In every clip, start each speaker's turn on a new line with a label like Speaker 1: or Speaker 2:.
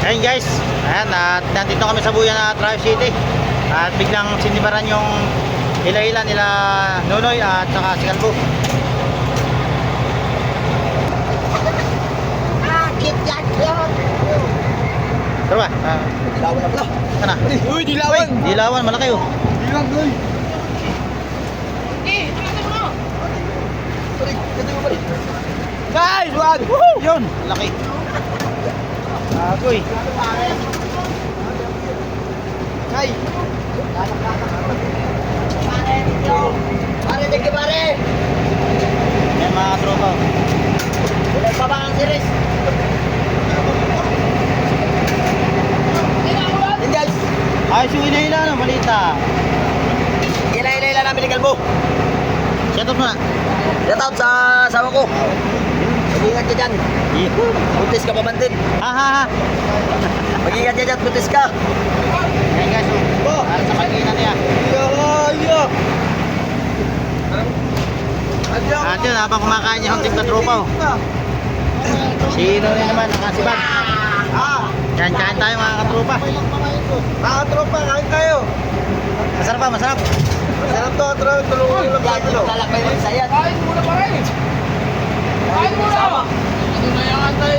Speaker 1: Ayun guys, ayan, at nandito kami sa Buyan na Travis City. At biglang sinibaran yung hila-hila nila Nonoy at saka si Kalbo. Tara ba?
Speaker 2: Dilawan na pala.
Speaker 1: Sana?
Speaker 2: Uy, dilawan!
Speaker 1: Uy, dilawan, malaki oh.
Speaker 2: Dilawan, boy! Guys, wag!
Speaker 1: Yun, laki. Agoy.
Speaker 2: Ay! Pare, tigil pare!
Speaker 1: Yan mga tropa.
Speaker 2: Ulit pa ba ang series? Yan guys!
Speaker 1: Ayos yung hila-hila, no? Malita.
Speaker 2: Ila namin ni Kalbo.
Speaker 1: Shoutout mo na.
Speaker 2: Shout out sa asawa ko. Mag-ingat ka dyan. Buntis ka pa man din.
Speaker 1: Ha ha ha.
Speaker 2: Mag-ingat ka dyan, buntis ka.
Speaker 1: Ayan guys, oh. Para sa kanina niya. At yun, habang kumakain niya ang team na tropa oh. Sino na naman, nakasibag. Kain tayo mga katropa.
Speaker 2: Mga tropa, kain tayo.
Speaker 1: Masarap ba? Masarap?
Speaker 2: Sarap to, tulungan nyo lang sa ito. Lalakbay mo sa yan.
Speaker 3: Kain muna pa rin. Kain muna. Ano na yung antay?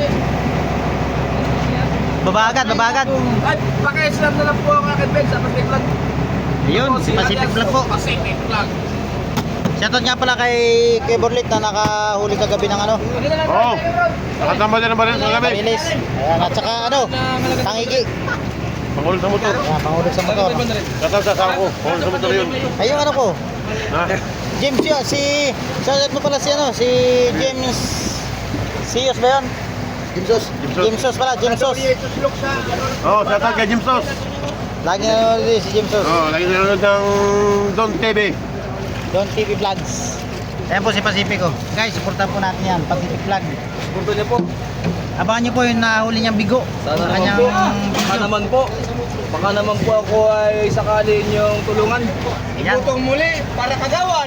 Speaker 1: Babagad.
Speaker 3: Ay, paki-slam na lang po ang akin, Ben, sa Pacific Vlog.
Speaker 1: Yun, Pacific Vlog po.
Speaker 3: Pacific Vlog.
Speaker 1: Shoutout nga pala kay Borlit na nakahuli kagabi ng ano,
Speaker 4: Oo. Nakatamba din ang baril sa gabi.
Speaker 1: Pamilis. Ayan, at saka ano, tangigi.
Speaker 4: Pangulong sa motor.
Speaker 1: Ayan, pangulog sa motor.
Speaker 4: Katang sa asawa ko. Pangulong sa motor yun.
Speaker 1: Ay, yung ano ko,
Speaker 4: Ha?
Speaker 1: James yun, shoutout mo pala si ano, si James Siyos ba yun?
Speaker 2: Jimsos.
Speaker 1: Jamesos pala, Jamesos.
Speaker 4: Oo, sa kay Jim Sos.
Speaker 1: Lagi na nanonood si Jamesos.
Speaker 4: Oo, lagi nanonood ng Don TV.
Speaker 1: Don TV Vlogs. Ayan po si Pacifico. Guys, supportan po natin yan, Pacific Vlog.
Speaker 3: Punto niyo po.
Speaker 1: Abangan niyo po yung nahuli niyang bigo.
Speaker 3: Sana
Speaker 1: Kanyang
Speaker 3: naman po. Baka
Speaker 1: video.
Speaker 3: naman po. Baka naman po ako ay sakali niyong tulungan.
Speaker 1: Ayan.
Speaker 3: Ibutong muli para kagawan.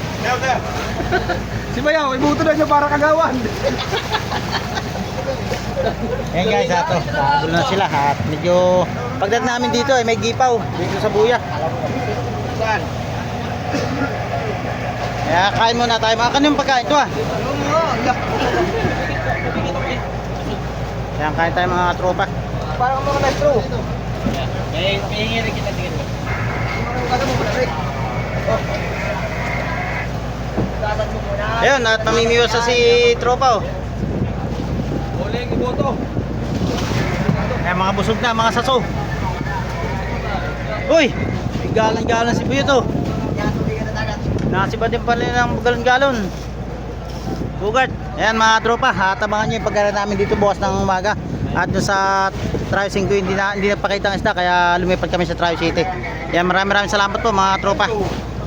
Speaker 3: Si Bayaw, ibuto na niyo para kagawan.
Speaker 1: Ayan guys, ato. Nakagulo na sila. At medyo, pagdating namin dito ay may gipaw. Dito sa buya.
Speaker 3: Saan?
Speaker 1: Kaya kain muna tayo. Mga kanyung pagkain ito ah. Kaya kain tayo mga tropa.
Speaker 2: Parang mga maestro.
Speaker 3: May hingirin kita tingin mo.
Speaker 1: Ayun, at mamimiwas sa si tropa oh.
Speaker 3: Huling iboto.
Speaker 1: Kaya mga busog na, mga saso. Uy! Galan-galan si Buyo to. Nakasiba din pala ng galon-galon. Bugart. Ayan mga tropa, atabangan nyo yung pagkara namin dito bukas ng umaga. At doon sa Travis 5 hindi na pakita ang isda, kaya lumipat kami sa Travis City. Ayan, maraming salamat po mga tropa.